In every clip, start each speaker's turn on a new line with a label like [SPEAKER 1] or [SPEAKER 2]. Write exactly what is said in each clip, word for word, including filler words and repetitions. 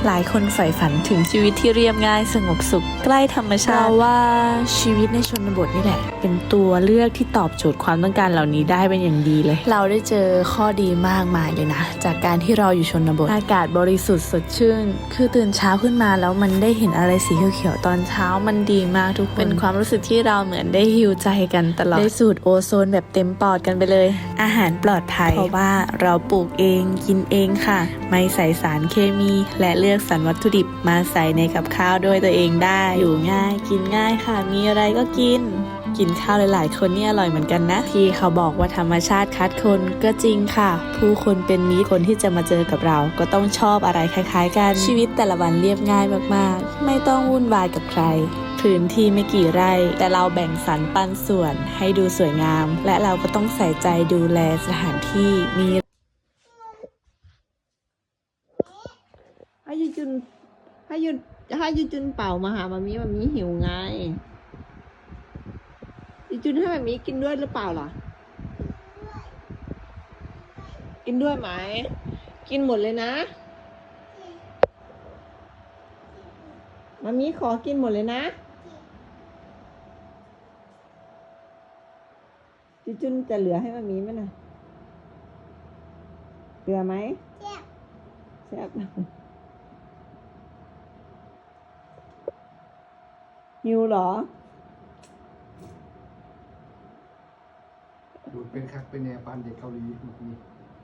[SPEAKER 1] หลายคนใฝ่ฝันถึงชีวิตที่เรียบง่ายสงบสุขใกล้ธรรมชาติเราว่าชีวิตในชนบทนี่แหละเป็นตัวเลือกที่ตอบโจทย์ความต้องการเหล่านี้ได้เป็นอย่างดีเลยเราได้เจอข้อดีมากมายเลยนะจากการที่เราอยู่ชนบทอากาศบริสุทธิ์สดชื่นคือตื่นเช้าขึ้นมาแล้วมันได้เห็นอะไรสีเขียวๆตอนเช้ามันดีมากทุกคนเป็นความรู้สึกที่เราเหมือนได้ฮีลใจกันตลอดได้สูดโอโซนแบบเต็มปอดกันไปเลยอาหารปลอดภัยเพราะว่าเราปลูกเองกินเองค่ะไม่ใส่สารเคมีและเลือกสรรวัตถุดิบมาใส่ในกับข้าวด้วยตัวเองได้อยู่ง่ายกินง่ายค่ะมีอะไรก็กินกินข้าวหลายๆคนนี่อร่อยเหมือนกันนะที่เขาบอกว่าธรรมชาติคัดคนก็จริงค่ะผู้คนเป็นมิตรคนที่จะมาเจอกับเราก็ต้องชอบอะไรคล้ายๆกันชีวิตแต่ละวันเรียบง่ายมากๆไม่ต้องวุ่นวายกับใครพื้นที่ไม่กี่ไร่แต่เราแบ่งสรรปันส่วนให้ดูสวยงามและเราก็ต้องใส่ใจดูแลสถานที่มี
[SPEAKER 2] ให้ยูจุนให้ยูให้ยูจุนเป่ามาหามามีมามีหิวไงยูจุนให้มามีกินด้วยหรือเปล่าล่ะกินด้วยไหมกินหมดเลยนะมามีขอกินหมดเลยนะยูจุนจะเหลือให้มามีไหมนะเหลือไหมแซ่บแซ่บหิวเหรอ
[SPEAKER 3] ดูเป็นคักเป็นแนวปานเด็กเกาหลีเมื่อกี้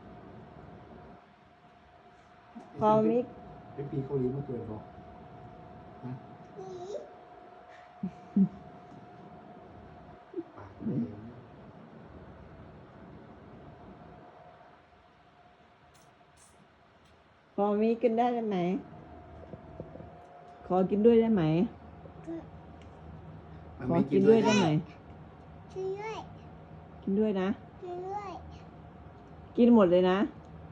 [SPEAKER 2] พอมิก
[SPEAKER 3] เป็นปีเกาหลีเมื่อเกิดบอกนะปากเอง
[SPEAKER 2] พอมิกกินได้ไหมขอกินด้วยได้ไหมขอกินด้วยได้ไหม
[SPEAKER 4] ช่วยด้วย
[SPEAKER 2] กินด้วยนะ
[SPEAKER 4] ช่วยด้วย
[SPEAKER 2] กินหมดเลยนะ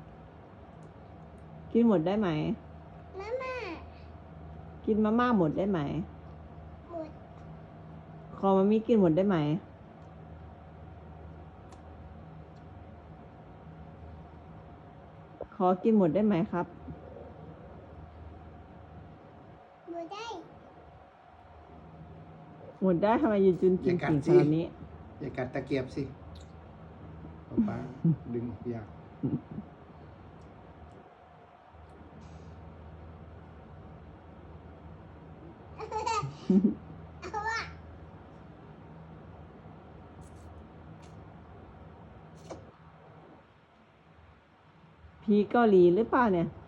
[SPEAKER 2] กินหมดได้ไหม
[SPEAKER 4] มาม่า
[SPEAKER 2] กินมาม่าหมดได้ไหม
[SPEAKER 4] หมด
[SPEAKER 2] ขอมามีกินหมดได้ไหม ขอกินหมดได้ไหมครับ
[SPEAKER 4] หมดได้
[SPEAKER 2] หมดได้ทำไมยืนจุนกินกินขนาดนี้
[SPEAKER 3] อย่ากัดตะเกียบสิป้าดึงออกยาก
[SPEAKER 4] เอาอะ
[SPEAKER 2] พีเกาหลีหรือเปล่าเนี่ย